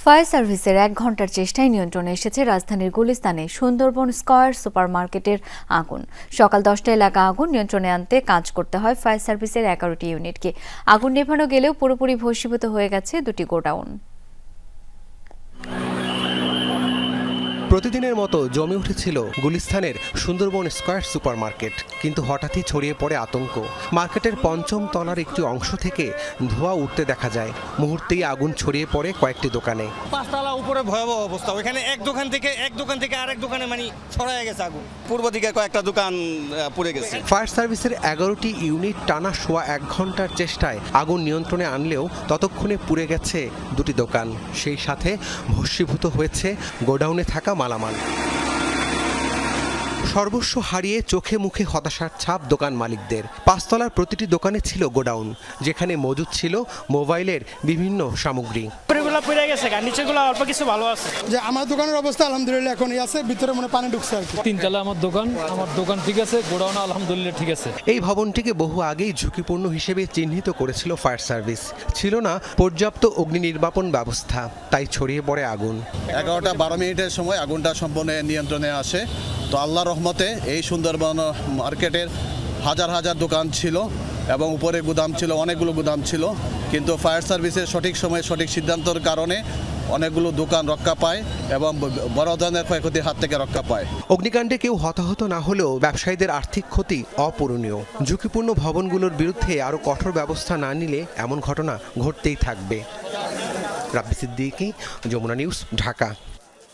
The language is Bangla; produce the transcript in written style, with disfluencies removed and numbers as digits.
ফায়ার সার্ভিসের ১ ঘণ্টার চেষ্টায় নিয়ন্ত্রণে এসেছে রাজধানীর গুলিস্তানে সুন্দরবন স্কয়ার সুপারমার্কেটের আগুন। সকাল ১০টায় লাগা আগুন নিয়ন্ত্রণে আনতে কাজ করতে হয় ফায়ার সার্ভিসের ১১টি ইউনিটকে। আগুন নেভানো গেলেও পুরোপুরি ভস্মীভূত হয়ে গেছে দুটি গোডাউন। প্রতিদিনের মতো জমে উঠেছিল গুলিস্তানের সুন্দরবন স্কয়ার সুপারমার্কেট, কিন্তু হঠাৎই ছড়িয়ে পড়ে আতঙ্ক। মার্কেটের পঞ্চম তলার একটি অংশ থেকে ধোঁয়া উঠতে দেখা যায়। মুহূর্তেই আগুন ছড়িয়ে পড়ে কয়েকটি দোকানে। ৫ তলা উপরে ভয়াবহ অবস্থা। ওইখানে এক দোকান থেকে আরেক দোকানে ছড়ায় গেছে আগুন। পূর্ব দিকে কয়েকটা দোকান পুড়ে গেছে। ফায়ার সার্ভিসের ১১টি ইউনিট টানা সোয়া ১ ঘণ্টার চেষ্টায় আগুন নিয়ন্ত্রণে আনলেও ততক্ষণে পুড়ে গেছে দুটি দোকান। সেই সাথে ভস্মীভূত হয়েছে গোডাউনে থাকা মালামাল। সর্বস্ব হারিয়ে চোখে মুখে হতাশার ছাপ দোকান মালিকদের। ৫ তলার প্রতিটি দোকানে ছিল গোডাউন, যেখানে মজুদ ছিল মোবাইলের বিভিন্ন সামগ্রী। পুড়ে গেছে, নিচেগুলো অল্প কিছু ভালো আছে। যে আমার দোকানের অবস্থা আলহামদুলিল্লাহ এখনই আছে, ভিতরে মনে পানি ঢুকছে আর কি। ৩ তলা আমার দোকান ঠিক আছে, গোডাউন আলহামদুলিল্লাহ ঠিক আছে। এই ভবনটিকে বহু আগেই ঝুঁকিপূর্ণ হিসেবে চিহ্নিত করেছিল ফায়ার সার্ভিস। ছিল না পর্যাপ্ত অগ্নি নির্বাপন ব্যবস্থা, তাই ছড়িয়ে পড়ে আগুন। ১১টা ১২ মিনিটের সময় আগুনটা সম্পূর্ণ নিয়ন্ত্রণে আসে। তো আল্লাহর রহমতে এই সুন্দরবন মার্কেটের হাজার হাজার দোকান ছিল এবং উপরে গুদাম ছিল, অনেকগুলো গুদাম ছিল, কিন্তু ফায়ার সার্ভিসের সঠিক সময়ে সঠিক সিদ্ধান্তের কারণে অনেকগুলো দোকান রক্ষা পায় এবং বড় ধরনের ক্ষয়ক্ষতির হাত থেকে রক্ষা পায়। অগ্নিকাণ্ডে কেউ হতাহত না হলেও ব্যবসায়ীদের আর্থিক ক্ষতি অপূরণীয়। ঝুঁকিপূর্ণ ভবনগুলোর বিরুদ্ধে আরও কঠোর ব্যবস্থা না নিলে এমন ঘটনা ঘটতেই থাকবে। রাব্বি সিদ্দিকী, যমুনা নিউজ, ঢাকা।